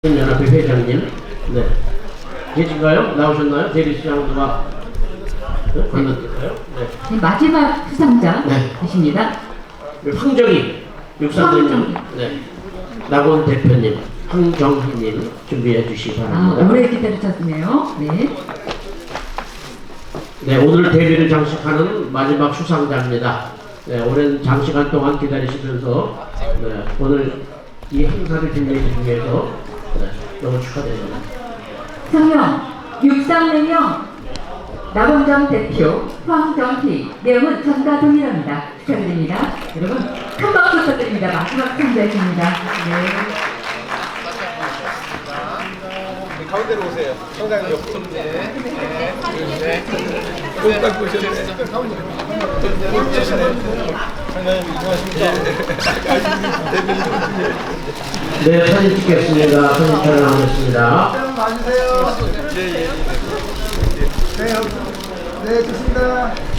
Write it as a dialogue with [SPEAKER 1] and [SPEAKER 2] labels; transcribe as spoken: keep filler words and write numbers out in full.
[SPEAKER 1] 연합회 회장님, 네. 계신가요? 나오셨나요? 대리시장 누가 건너뛸까요? 네.
[SPEAKER 2] 네, 마지막 수상자
[SPEAKER 1] 네.
[SPEAKER 2] 계십니다.
[SPEAKER 1] 황정희 육삼대님, 네. 낙원 대표님, 황정희님 준비해 주시기
[SPEAKER 2] 아,
[SPEAKER 1] 바랍니다.
[SPEAKER 2] 오래 기다리셨네요. 네.
[SPEAKER 1] 네, 오늘 대회를 장식하는 마지막 수상자입니다. 네, 오랜 장시간 동안 기다리시면서 네, 오늘 이 행사를 준비해 주기 위해서 네, 너무 축하드립니다.
[SPEAKER 2] 성명 육삼대명 낙원정 대표 황정희, 내용은 전과 동일합니다. 축하드립니다. 여러분 큰 박수 부탁드립니다. 마지막 수상자이십니다. 네.
[SPEAKER 3] 가운데로 오세요. 성장님 옆으로. 네. 네. 꼭 닦고 오셨네. 가운데로. 성장님 안녕하십니까.
[SPEAKER 1] 네, 사진 찍겠습니다. 사진 촬영하겠습니다.
[SPEAKER 3] 좀 봐주세요. 예, 예. 네, 네, 좋습니다.